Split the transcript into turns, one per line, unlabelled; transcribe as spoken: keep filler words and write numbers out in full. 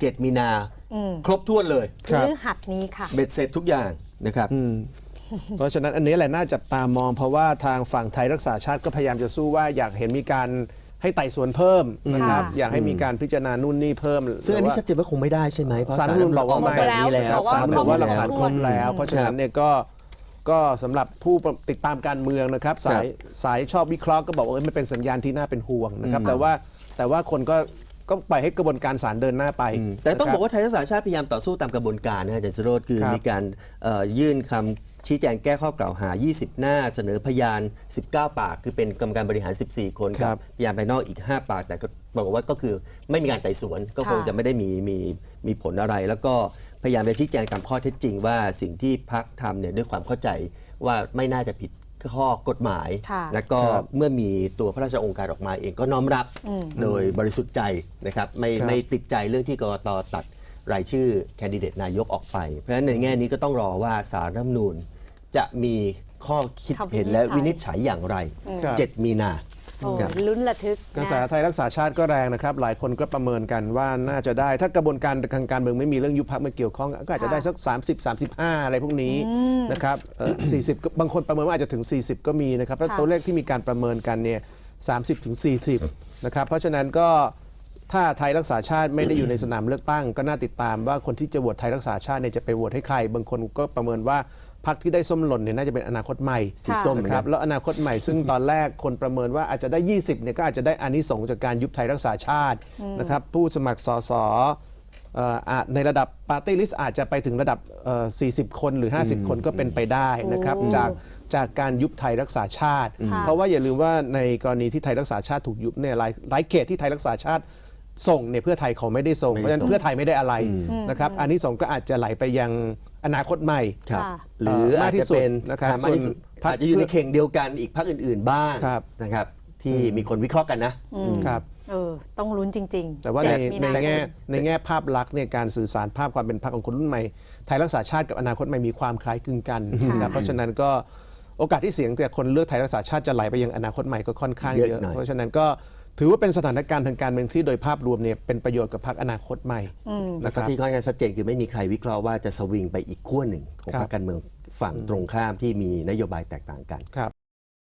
เจ็ดมีนาครบถ้วนเลย
พฤหัสนี้ค่ะ
เบ็ดเสร็จทุกอย่างนะครับ
เพราะฉะนั้นอันนี้แหละน่าจับตามองเพราะว่าทางฝั่งไทยรักษาชาติก็พยายามจะสู้ว่าอยากเห็นมีการให้ไต่สวนเพิ่มนะครับอยากให้มีการพิจารณานู่นนี่เพิ่ม
ซึ่งอันนี้ชัดเจนว่าคงไม่ได้ใช่ไหมเพราะ
ศาลรัฐธรรมนูญบอกว่าไม่
แบบนี้แล้ว
ศาลรัฐธรรมนูญบอกว่าหลักฐานครบแล้ว เพราะฉะนั้นเนี่ยก็ก็สำหรับผู้ติดตามการเมืองนะครับสายสายชอบวิเคราะห์ก็บอกว่ามันเป็นสัญญาณที่น่าเป็นห่วงนะครับแต่ว่าแต่ว่าคนก็ก็ปล่อยให้กระบวนการศาลเดินหน้าไป
แต่ต้องบอกว่าไทยรักษาชาติพยายามต่อสู้ตามกระบวนการนะอาจารย์สโรจน์คือมีการยื่นคำชี้แจงแก้ข้อกล่าวหายี่สิบหน้าเสนอพยานสิบเก้าปากคือเป็นกรรมการบริหารสิบสี่คนกับพยานภายนอกอีกห้าปากแต่ก็บอกว่าก็คือไม่มีการไต่สวนก็คงจะไม่ได้มีมีมีผลอะไร แล้วก็พยายามจะชี้แจงตามข้อเท็จจริงว่าสิ่งที่พรรคทำเนี่ยด้วยความเข้าใจว่าไม่น่าจะผิดข้อกฎหมายแล้วก็เมื่อมีตัวพระราชองค์การออกมาเองก็น้อมรับโดยบริสุทธิ์ใจนะครับไม่ไม่ติดใจเรื่องที่กกต.ตัดรายชื่อแคนดิเดตนายกออกไปเพราะฉะนั้นในแง่นี้ก็ต้องรอว่าศาลรัฐธรรมนูญจะมีข้อคิดเห็นและวินิจฉัยอย่างไรเจ็ดมีนา
ลุ้นระทึก
กระแสไทยรักษาชาติก็แรงนะครับหลายคนก็ประเมินกันว่าน่าจะได้ถ้ากระบวนการทางการเมืองไม่มีเรื่องยุบพรรคมาเกี่ยวข้องก็อาจจะได้สักสามสิบ สามสิบห้าอะไรพวกนี้นะครับสี่สิบบางคนประเมินว่าอาจจะถึงสี่สิบก็มีนะครับแล้วตัวเลขที่มีการประเมินกันเนี่ยสามสิบถึงสี่สิบนะครับเพราะฉะนั้นก็ถ้าไทยรักษาชาติไม่ได้อยู่ในสนามเลือกตั้งก็น่าติดตามว่าคนที่จะโหวตไทยรักษาชาติเนี่ยจะไปโหวตให้ใครบางคนก็ประเมินว่าพรรคที่ได้ส้มหล่นเนี่ยน่าจะเป็นอนาคตใหม่
สีส้ม
ครับแล้วอนาคตใหม่ซึ่งตอนแรกคนประเมินว่าอาจจะได้ยี่สิบเนี่ยก็อาจจะได้อานิสงส์จากการยุบไทยรักษาชาตินะครับผู้สมัครสสในระดับปาร์ตี้ลิสต์อาจจะไปถึงระดับสี่สิบคนหรือห้าสิบคนก็เป็นไปได้นะครับจากจากการยุบไทยรักษาชาติเพราะว่าอย่าลืมว่าในกรณีที่ไทยรักษาชาติถูกยุบเนี่ยหลายหลายเขตที่ไทยรักษาชาติส่งเนี่ยเพื่อไทยเขาไม่ได้ส่งเพราะฉะนั้นเพื่อไทยไม่ได้อะไรนะครับอันนี้ส่งก็อาจจะไหลไปยังอนาคตใหม่
หรืออาจจะเป็นนะครับมากที่สุดอาจจะอยู่ในเข่งเดียวกันอีกพรรคอื่นๆบ้างนะครับที่มีคนวิเคราะห์กันนะครับ
เออต้องลุ้นจริงๆ
แต่ว่าในในแง่ในแง่ภาพลักษณ์เนี่ยการสื่อสารภาพความเป็นพรรคของคนรุ่นใหม่ไทยรักษาชาติกับอนาคตใหม่มีความคล้ายคลึงกันนะครับเพราะฉะนั้นก็โอกาสที่เสียงแต่คนเลือกไทยรักษาชาติจะไหลไปยังอนาคตใหม่ก็ค่อนข้างเยอะเพราะฉะนั้นก็ถือว่าเป็นสถานการณ์ทางการเมืองที่โดยภาพรวมเนี่ยเป็นประโยชน์กับพรรคอนาคตใหม่
นะครับที่ค่อนข้างชัดเจนคือไม่มีใครวิเคราะห์ว่าจะสวิงไปอีกขั้วหนึ่งของพรรคการเมืองฝั่งตรงข้ามที่มีนโยบายแตกต่างกัน